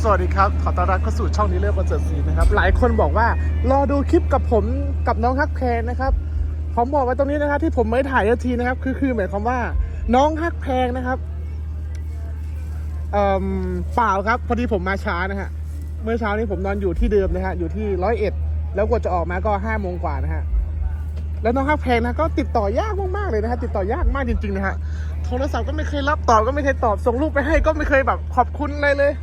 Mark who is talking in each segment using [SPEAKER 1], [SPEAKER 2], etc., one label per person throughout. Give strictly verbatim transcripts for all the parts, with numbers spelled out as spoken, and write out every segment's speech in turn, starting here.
[SPEAKER 1] สวัสดีครับขอต้อนรับเข้าสู่ช่องนี้เรื่องคอนเสิร์ตซีนะครับหลายคนบอกว่ารอดูคลิปกับผมกับน้องฮักแพงนะครับผมบอกไว้ตรงนี้นะครับที่ผมไม่ถ่ายทันทีนะครับคือคือหมายความว่าน้องฮักแพงนะครับเอ่อเปล่าครับพอดีผมมาช้านะฮะเมื่อเช้านี้ผมนอนอยู่ที่เดิมนะฮะอยู่ที่ร้อยเอ็ดแล้วกว่าจะออกมาก็ห้าโมงกว่านะฮะแล้วน้องฮักแพงนะก็ติดต่อยากมากๆเลยนะฮะติดต่อยากมากจริงๆนะฮะโทรศัพท์ก็ไม่เคยรับตอบก็ไม่เคยตอบส่งรูปไปให้ก็ไม่เคยแบบขอบคุณอะไรเลย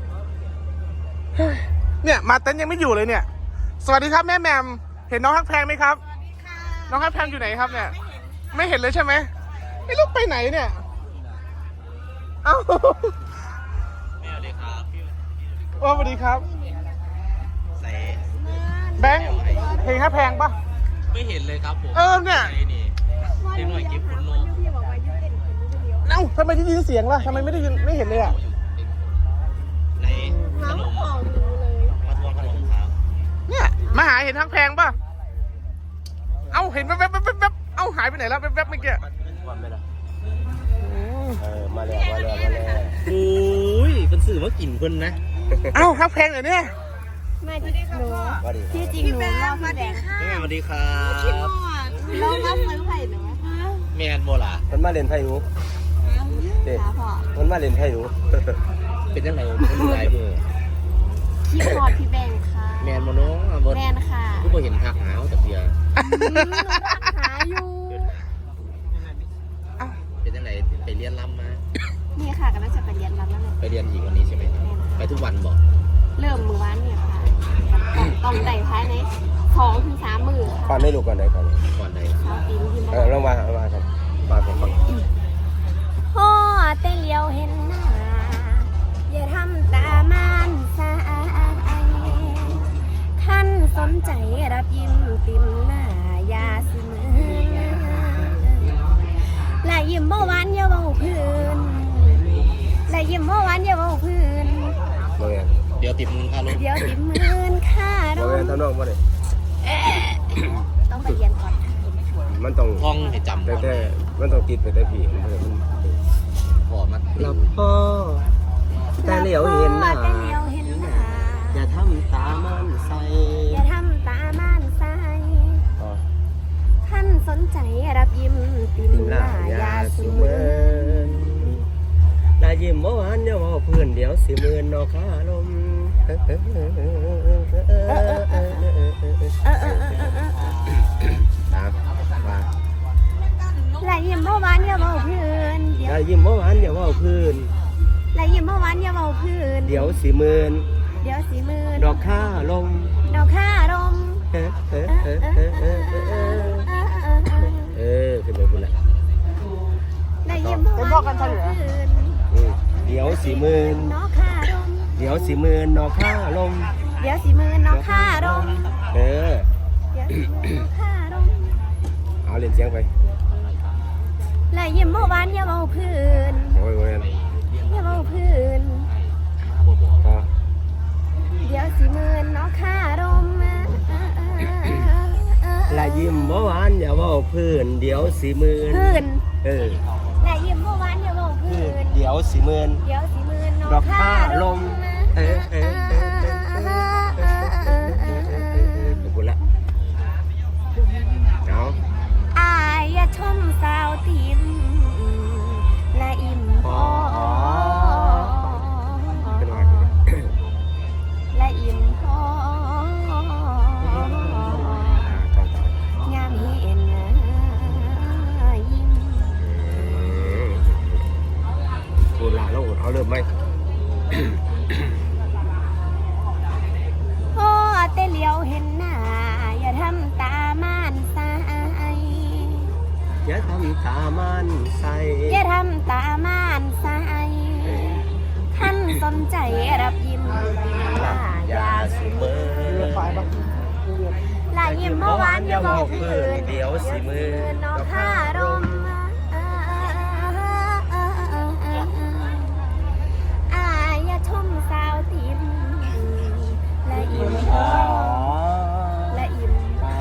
[SPEAKER 1] เนี่ยมาเต้นยังไม่อยู่เลยเนี่ยสวัสดีครับแม่แมมเห็นน้องฮักแพงไหมครับสวัสดีค่ะน้องฮักแพงอยู่ไหนครับเนี่ยไม่เห็นเลยใช่ไหมไม่รู้ไปไหนเนี่ยเอ้าแม่สวัสดีครับโอ้สวัสดีครับแบงค์เพลงฮักแพงปะ
[SPEAKER 2] ไม่เห็นเลยครับผม
[SPEAKER 1] เออเนี่ย
[SPEAKER 2] เต็มหน่วยกิฟต์คุณโล
[SPEAKER 1] เอ้าทำไมได้ยินเสียงล่ะทำไมไม่ได้ยินไม่เห็นเลยอ่ะ
[SPEAKER 2] ในขนมมาทวงขนมครับ
[SPEAKER 1] เนี่ยมาหาเห็นฮักแพงปะเอ้าเห็นแว๊บแว๊บแว๊บแว๊บเอ้าหายไปไหนแล้วแว๊บแว๊บเมื่อกี้
[SPEAKER 3] เออมาแล้วมาแล้วมาแล้ว
[SPEAKER 2] โอ้ยเป็นสื่อว่ากลิ่นคนนะ
[SPEAKER 1] เอ้าฮักแพงเหรอเนี่ย
[SPEAKER 4] มาที่หนูที่จริงหนูเล่าพี่แดง
[SPEAKER 2] แม่สวัสดีครับ
[SPEAKER 4] เล่าว่าเมืองไผ่หนู
[SPEAKER 2] แมนโบล่ะ
[SPEAKER 3] มันมาเล่นไพ่หนูเด็กมันมาเล่นไพ่หนู
[SPEAKER 2] เป็นยังไงเป็นยังไงเพื่อ
[SPEAKER 4] พี่พอดพี่แบงค่ะ
[SPEAKER 2] แมนโมโน่
[SPEAKER 4] แมนค่ะ
[SPEAKER 2] ทุกคนเห็นทักหาแต่เพีย
[SPEAKER 4] หาอยู่
[SPEAKER 2] เป็นยังไงไปเรียนรำมา
[SPEAKER 4] นี่ค่ะก็น่าจะไปเรียนรำแล้วเลย
[SPEAKER 2] ไปเรียนอีกวันนี้ใช่ไหมไปทุกวันบอก
[SPEAKER 4] เริ่มมือวันเนี่ยค่ะต้องได้ภายในสองถึงสามมือ
[SPEAKER 3] ก่อนได้ลูกก่อนไหนก่อน
[SPEAKER 2] ก่อนไหน
[SPEAKER 4] เช้าปีนี้
[SPEAKER 3] เออลงมาลงมาครับมาผมฟัง
[SPEAKER 4] พ่อแต่เลี้ยวเห็นหน้าอย่าทำตามันสายท่านสนใจรับยิ้มติมหน้ายาสิมือและยิ้มเมื่อวานอย่าเบาพื้นและยิ้มเมื่อวานอย่าเบาพื้น
[SPEAKER 2] เดี๋ยวติดมือค่าลง
[SPEAKER 4] เดี๋ยวติดมือค่าลง
[SPEAKER 3] เรียนทำนองมาเลย
[SPEAKER 4] ต้องไปเรียนก่อน
[SPEAKER 3] มันต้อง
[SPEAKER 2] ท่องให้จำ
[SPEAKER 3] แต่แต่มันต้องติดไปแต่ผีมัน
[SPEAKER 2] พอมา
[SPEAKER 3] หลับพ่อแต่เหลียวเห็นหน้าอย่าทำตามันใส
[SPEAKER 4] อย่าทำตามันใสท่านสนใจรับยิ้มติมหน้ายาสูเมิน
[SPEAKER 3] ลายิ้มเมื่อวานอย่าว่าเพื่อนเดี๋ยวสิเมินนอขาลมตามมา
[SPEAKER 4] ลายยิ้มเมื่อวานอย่าเบาพื้น
[SPEAKER 3] ลายิ้มเมื่อวานอย่าว่าเพื่อน
[SPEAKER 4] ลายยิ้มเมื่อวานอย่าเบาพื้น
[SPEAKER 3] เดี๋ยวสิเมิน
[SPEAKER 4] เดี๋ยวสิเมิน
[SPEAKER 3] ดอกข้าลม
[SPEAKER 4] ดอกข้าลม
[SPEAKER 3] เออเออเออเออเออเออขึ้นไปคุณแหละ
[SPEAKER 4] ลายยิ้มเมื่อวานอย่าเบาพื้น
[SPEAKER 3] เดี๋ยวสิเมิน
[SPEAKER 4] ดอกข้าลม
[SPEAKER 3] เดี๋ยวสิเมินดอกข้าลม
[SPEAKER 4] เดี๋ยวสิเมินดอกข้าลม
[SPEAKER 3] เออ
[SPEAKER 4] เดี๋ยวสิเมินดอกข้าลม
[SPEAKER 3] เอาเล่นเสียงไป
[SPEAKER 4] และยิ้มเมื่อวานอย่าเบาพื้น
[SPEAKER 3] โอ้ยโอ้ย
[SPEAKER 4] อย่าเบาพื้นเดี๋ยวสิเมินดอกข้าลม
[SPEAKER 3] และยิ้มเมื่อวานอย่าเบาพื้นเดี๋ยวสิเมิน
[SPEAKER 4] พื้น
[SPEAKER 3] เออ
[SPEAKER 4] และยิ้มเมื่อวานอย่าเบาพื้น
[SPEAKER 3] เดี๋ยวสิเมิน
[SPEAKER 4] เดี๋ยวสิเมิน
[SPEAKER 3] ดอกข้าลมเออเออเออขอบคุณละเอา
[SPEAKER 4] อายอย่าชมสาวติมและอิ่มพอและอิ่มพอยามเห็นยิ้ม
[SPEAKER 3] พูดละแล้วเอาเริ่มไหม
[SPEAKER 4] พ่อแต่เลี้ยวเห็นหน้าอย่าทำตามันใส
[SPEAKER 3] อย่าทำตามันใส
[SPEAKER 4] อย่าทำตามันใสท่านสนใจรับยิ้มหน้ายาสูเมินลายยิ้มเมื่อวานอย่าบอกพื้น
[SPEAKER 3] เดี๋ยวสิมือน
[SPEAKER 4] ดอกข้ารมอายอย่าชมสาวติมและอิ่มพอและอิ่มพอ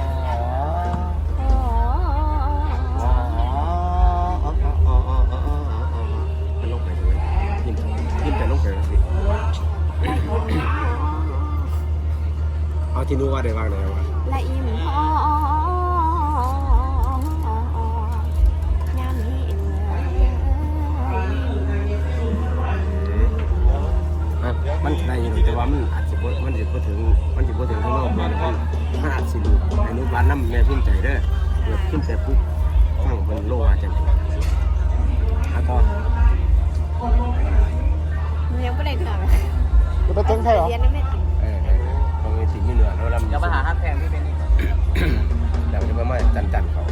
[SPEAKER 3] มันลงไปด้วยยิ้มยิ้มแต่ลงไปสิที่นู้ว่าได้บ้างไหนวะ
[SPEAKER 4] ละอิ่มพอยามเห็น
[SPEAKER 3] มันได้อยู่แต่ว่ามันอาจจะมันจะพูดถึงมันจะพูดถึงข้างนอกมันมันอาจสิอนุบาลน้ำแม่พิมพ์ใจเด้อเกิดขึ้นแต่ปุ๊บฟังมันโลว่าจังแล้วก็
[SPEAKER 4] ยังไม่ได้เถื่อน
[SPEAKER 1] จะไปเต้นใครเหรอ
[SPEAKER 4] เรียนนั่นไม่ติด
[SPEAKER 3] เออตรงนี้สิ่งที่เหนือแล้วลำ
[SPEAKER 2] จะมาหาฮักแพงที่เป็นนี่
[SPEAKER 3] เดี๋ยวจะมาไม่จันจันเขา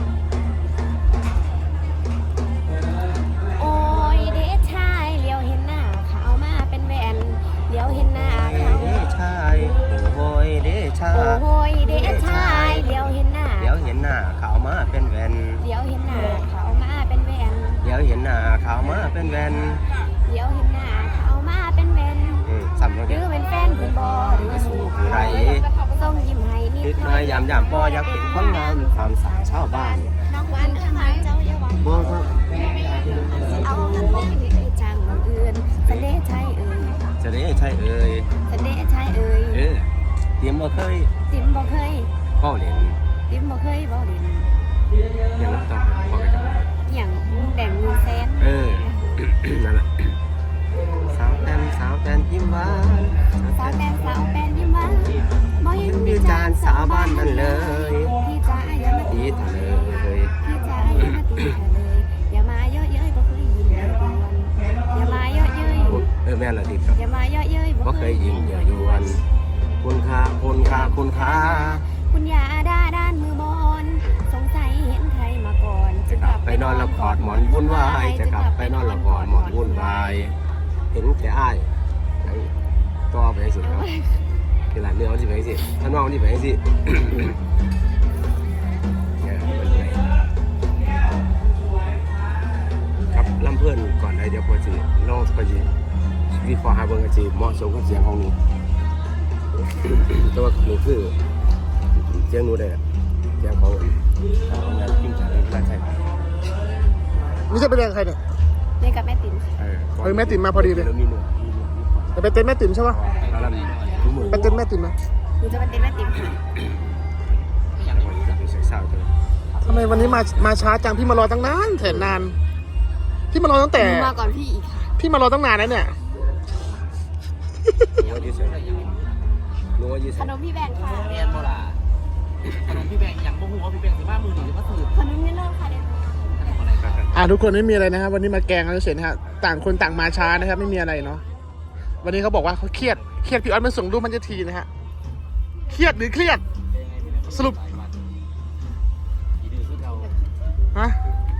[SPEAKER 4] โอ้ยเด็กชายเลี้ยวเห็นหน้าเขามาเป็นแวนเลี้ยวเห็นหน้าเขา
[SPEAKER 3] เด้ชายโอ้ยเด้ชา
[SPEAKER 4] โอ้ยเด็กชายเลี้ยวเห็นหน้า
[SPEAKER 3] เดี๋ยวเห็นหน้าเขามาเป็นแวน
[SPEAKER 4] เลี้ยวเห็นหน้าเขามาเป็นแวน
[SPEAKER 3] เดี๋ยวเห็นหน้าเขามาเป็นแวน
[SPEAKER 4] เลี้ยวเห็นหน้าเขามาเป็นแวน
[SPEAKER 3] อืมซ้ำแล้ว
[SPEAKER 4] หรื
[SPEAKER 3] เนี่ย
[SPEAKER 4] อเป็นแฟนคุณบอหรือสู้
[SPEAKER 3] ไร
[SPEAKER 4] ส่งยิ้มให้นิ
[SPEAKER 3] คิ
[SPEAKER 4] ด
[SPEAKER 3] ด
[SPEAKER 4] หน่
[SPEAKER 3] มา
[SPEAKER 4] อย
[SPEAKER 3] ยามยามพ่ออยากเป็นคนงามตามสาวชาวบ้าน
[SPEAKER 4] น้องวันทำไมเจ้าอย่าหวัง
[SPEAKER 3] บ่ครับ
[SPEAKER 4] เอาเงินไปให้จังเอื่นสันเดชชัยเอ่ย
[SPEAKER 3] จะได้ใช่เอ่ย
[SPEAKER 4] สันเดชชัยเอ่ย
[SPEAKER 3] เออเตรียมบ่เคย
[SPEAKER 4] ติ๋มบ่เคย
[SPEAKER 3] พ่อเล่น
[SPEAKER 4] ติ๋มบ่เคยบ่เด่น
[SPEAKER 3] อย่างนั้นต้องพ่อไปจับ
[SPEAKER 4] อย่างแบ่งเงินแสน
[SPEAKER 3] เออ นั่นแหละสาวแตนสาวแตนยิ้มหวาน
[SPEAKER 4] สาวแปนสาวแปนยิ้มหวานบ่
[SPEAKER 3] เห็
[SPEAKER 4] เห็
[SPEAKER 3] น
[SPEAKER 4] น
[SPEAKER 3] วิ
[SPEAKER 4] วิ
[SPEAKER 3] จา
[SPEAKER 4] จาร ร
[SPEAKER 3] ณ์
[SPEAKER 4] ณ์
[SPEAKER 3] สา
[SPEAKER 4] สาว ว
[SPEAKER 3] บ้า
[SPEAKER 4] บ้าน น
[SPEAKER 3] นั่
[SPEAKER 4] นั่
[SPEAKER 3] น
[SPEAKER 4] น
[SPEAKER 3] เล
[SPEAKER 4] เลย ยพี่จ๋าอย่ามา
[SPEAKER 3] ตี
[SPEAKER 4] ตี
[SPEAKER 3] เถอะเลย
[SPEAKER 4] พี่จ๋าอย่ามาตีเธอเลยอย่ามาเยอะเย้ยบ่เคยยินเลยกวนอย่ามาเยอะเย้ย
[SPEAKER 3] เออแม่ละติดครับ
[SPEAKER 4] อย่ามาเยอะเย้ย
[SPEAKER 3] บ่เคยยิงเยอะยวนคุณค่าคุณค่าคุณค่า
[SPEAKER 4] คุณยาด้าด้านมือบอลสงสัยเห็นใครมาก่อนจึงกลับ
[SPEAKER 3] ไปนอนละกอดหมอนวุ่นวายจะกลับไปนอนละกอดหมอนวุ่นวายเห็นแต่อ้ายต่อไปสิครับคือหลานเนื้อมันสิไปสิถ้าน้องมันสิไปสิเนี่ยมันไปครับลำเพื่อนก่อนได้เดี๋ยวพอสิลองพอสิวีฟอร์ฮาร์เบิร์กจีเหมาะสมกับเสียงของหนูแต่ว่าหนูคือเสียงหนูได้เสียงของงานพิมพ์จากราชการ
[SPEAKER 1] นี่จะไปเรียนใครเนี่ย
[SPEAKER 4] เรียนกับแม่ติ๋ม
[SPEAKER 3] เออ
[SPEAKER 1] เฮ้ยแม่ติ๋มมาพอดีเลย
[SPEAKER 3] แล้วมีหนูมีหนู
[SPEAKER 1] จะไปเต้นแม่ติ๋มใช่ปะ
[SPEAKER 3] แล้วเรามีทุกมือ
[SPEAKER 1] ไปเต้นแม่ติ๋มนะ
[SPEAKER 4] หนูจะเป็นเต้นแม่ติ๋มค่ะ
[SPEAKER 3] อย่างวันจากเซ็กซ์ซาวด์เลย
[SPEAKER 1] ทำไมวันนี้มามาช้าจังพี่มารอตั้งนานแสนนานพี่มารอตั้งแต่
[SPEAKER 4] หนูมาก่อนพี่อีกค่ะ
[SPEAKER 1] พี่มารอตั้งนานแล้วเนี่ย
[SPEAKER 3] รู้ว่ายืดเส้นรู้ว่ายืด
[SPEAKER 4] ข
[SPEAKER 3] เส้น
[SPEAKER 4] นมพี่แบงค์ค่ะ
[SPEAKER 2] เรียนโบราณขนมพี่แบงอย่างบ่ฮู้ว่าพี่แบงสิว่ามือหรือว่าสื่อ
[SPEAKER 4] ขนมนี่เริ่มค่ะเด็ก
[SPEAKER 2] อะไรกัน
[SPEAKER 1] อ่าทุกคนไม่มีอะไรนะครับ วันนี้มาแกงกันเฉยๆนะฮะต่างคนต่างมาช้านะครับ ไม่มีอะไรเนาะวันนี้เขาบอกว่าเขาเครียดเครียดพี่ออสมาส่งรูปมันจะทีนะฮะเครียดหรือเครียดสรุป
[SPEAKER 2] อีดื้อคือเรา
[SPEAKER 1] ฮะ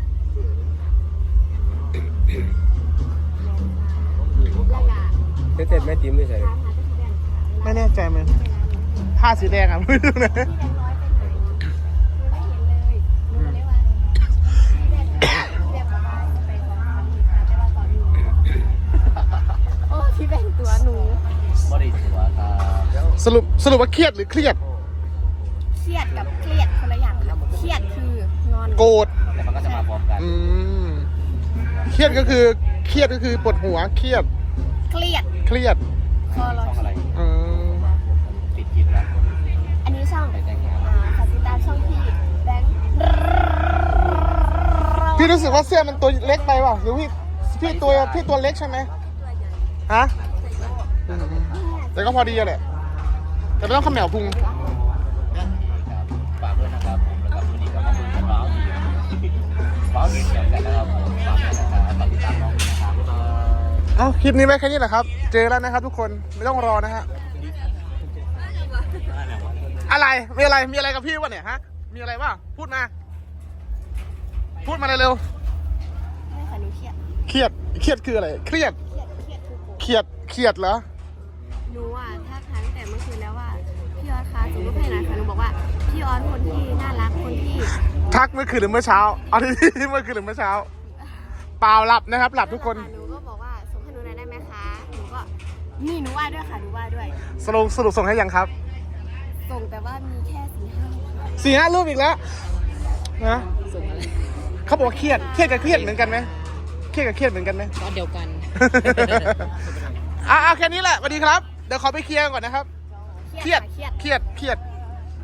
[SPEAKER 4] แล้วก็
[SPEAKER 3] เต้นแม่ติ้มไม่ใช่
[SPEAKER 4] ตามหาพี่แบงค์ค่ะ
[SPEAKER 1] ไม่แน่ใจมันผ้าสีแดงอ่ะ ไม่รู้นะ
[SPEAKER 4] พี่แบงค์ร้อยไปไหนหนูไม่เห็นเลยหนูก็เลยว่าพี่แบงค์พี่แบงค์บอกว่าจะไปสองครั้งอีกค่ะแต่ว่าตอนนี้โอ้พี่แบงค์ตัวหนู
[SPEAKER 2] บริสุทธิ์ครับ
[SPEAKER 1] สรุปสรุปว่าเครียดหรือเครียด
[SPEAKER 4] เครียดกับเครียดคนละอย่างค่ะเครียดคืองอน
[SPEAKER 1] โกรธ
[SPEAKER 2] แล้วมันก็จะมาพร้อมกัน
[SPEAKER 1] อืมเครียดก็คือเครียดก็คือปวดหัวเครียด
[SPEAKER 4] เครียด
[SPEAKER 1] เครียด
[SPEAKER 4] คอรอ
[SPEAKER 2] ช่องอะไร
[SPEAKER 1] อืม
[SPEAKER 2] ปิดกินแล้ว
[SPEAKER 4] อันนี้ช่อง
[SPEAKER 2] ไปแต่งงาน
[SPEAKER 4] อ่าฝากติดตามช่องพี่แบงค์
[SPEAKER 1] พี่รู้สึกว่าเสื้อมันตัวเล็กไปว่ะหรือพี่พี่ตัวพี่ตัวเล็กใช่ไหมฮะอืมแต่ก็พอดีอะแหละแต่ไม่ต้องขมแมวพุง
[SPEAKER 2] ฝากด้วยนะครับผมแล้วก็วันนี้ก็มาดูกันว้าวดีว้าวดีเขียวกันนะครับผมฝากด้วยนะครับฝากติดตามน้องด้วยนะครับบ๊ายบาย
[SPEAKER 1] เอ้าคลิปนี้ไว้แค่นี้แหละครับ เจอแล้วนะครับทุกคนไม่ต้องรอนะฮะอะไรมีอะไรมีอะไรกับพี่วะเนี่ยฮะมีอะไรวะพูดมา พูดมาเร็ว
[SPEAKER 4] ไม่ค่ะหนูเครียด
[SPEAKER 1] ๆเครียดเครียดคืออะไรเครียด
[SPEAKER 4] เครียดเครียดคือโกรธ
[SPEAKER 1] เครียดเครียดเหรอ
[SPEAKER 4] หนูอ่ะทักทายตั้งแต่เมื่อคืนแล้วว่าพี่ออสคะส่งรูปให้หน่อยค่ะหนูบอกว่าพี่ออสคนที่น่ารักคนที่
[SPEAKER 1] ทักเมื่อคืนหรือเมื่อเช้าเอาที่เมื่อคืนหรือเมื่อเช้าเปล่าหลับนะครับ หลับทุกคน
[SPEAKER 4] หนูก็บอกว่าส่งให้หนูหน่อยได้ไหมคะหนูก็นี่หนูว่าด้วยค่ะหนูว่าด้วย
[SPEAKER 1] สรุปสรุปส่งให้ยังครับ
[SPEAKER 4] ส่งแต่ว่ามีแค่สี่ห้ารูปค่ะ
[SPEAKER 1] สี่ห้ารูปอีกแล้วนะเขาบอกว่าเครียดเครียดกับเครียดเหมือนกันไหมเครียดกับเครียดเหมือนกันไหม
[SPEAKER 2] ก็เดียวกัน
[SPEAKER 1] อ่ะเอาแค่นี้แหละสวัสดีครับเดี๋ยวขอไปเคลียร์ก่อนนะครับ
[SPEAKER 4] เค
[SPEAKER 1] เครียด
[SPEAKER 4] เครียด
[SPEAKER 1] เครียดเครียด